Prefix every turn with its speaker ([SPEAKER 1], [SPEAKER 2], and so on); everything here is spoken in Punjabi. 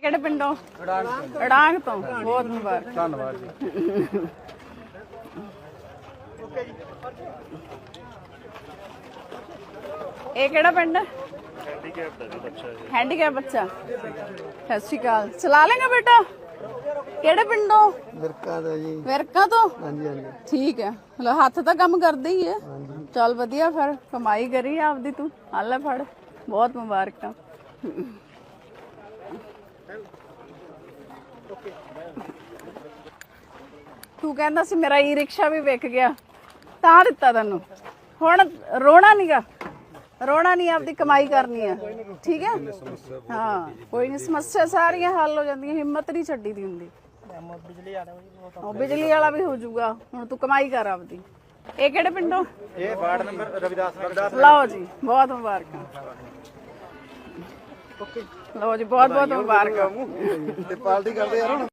[SPEAKER 1] ਕਿਹੜੇ ਪਿੰਡੋਂ? ਅੜਾਂਗ ਤੋਂ। ਬਹੁਤ ਮੁਬਾਰਕ।
[SPEAKER 2] ਧੰਨਵਾਦ ਜੀ।
[SPEAKER 1] ਇਹ ਕਿਹੜਾ ਪਿੰਡ?
[SPEAKER 3] हैंडीकैप बच्चा
[SPEAKER 1] ਸਤਿ ਸ਼੍ਰੀ ਅਕਾਲ। ਚਲਾ ਲੇਗਾ ਬੇਟਾ? ਕਿਹੜੇ ਪਿੰਡੋਂ?
[SPEAKER 2] ਵਿਰਕਾ ਦਾ ਜੀ।
[SPEAKER 1] ਵਿਰਕਾ ਤੋਂ?
[SPEAKER 2] ਹਾਂਜੀ ਹਾਂਜੀ
[SPEAKER 1] ਠੀਕ ਹੈ। ਲੋ ਹੱਥ ਤਾਂ ਕੰਮ ਕਰਦੇ ਹੀ ਹੈ। ਚੱਲ ਵਧੀਆ, ਫਿਰ ਕਮਾਈ ਕਰੀ ਆਪਦੀ ਤੂੰ। ਆ ਲੈ ਫੜ, ਬਹੁਤ ਮੁਬਾਰਕਾਂ। ਤੂੰ ਕਹਿੰਦਾ ਸੀ ਮੇਰਾ ਈ ਰਿਕਸ਼ਾ ਵੀ ਵਿਕ ਗਿਆ, ਤਾਂ ਦਿੱਤਾ ਤੈਨੂੰ। ਹੁਣ ਰੋਣਾ ਨੀਗਾ, ਰੋਣਾ ਨਹੀਂ, ਆਪਦੀ ਕਮਾਈ ਕਰਨੀ ਹੈ। ਠੀਕ ਹੈ? ਹਾਂ, ਕੋਈ ਨਹੀਂ, ਸਮੱਸਿਆ ਸਾਰੀਆਂ ਹੱਲ ਹੋ ਜਾਂਦੀਆਂ, ਹਿੰਮਤ ਨਹੀਂ ਛੱਡੀ ਦੀ ਹੁੰਦੀ। ਉਹ ਬਿਜਲੀ ਵਾਲਾ ਵੀ ਹੋ ਜਾਊਗਾ। ਹੁਣ ਤੂੰ ਕਮਾਈ ਕਰ ਆਪਦੀ। ਇਹ ਕਿਹੜੇ ਪਿੰਡੋਂ?
[SPEAKER 2] ਇਹ ਵਾਰਡ ਨੰਬਰ ਰਵਿਦਾਸ।
[SPEAKER 1] ਲਓ ਜੀ, ਬਹੁਤ ਮੁਬਾਰਕਾਂ। ਲਓ ਜੀ, ਬਹੁਤ ਬਹੁਤ ਮੁਬਾਰਕਾਂ।
[SPEAKER 2] ਤੇ ਪਾਰਟੀ ਕਰਦੇ ਯਾਰ ਹੁਣ।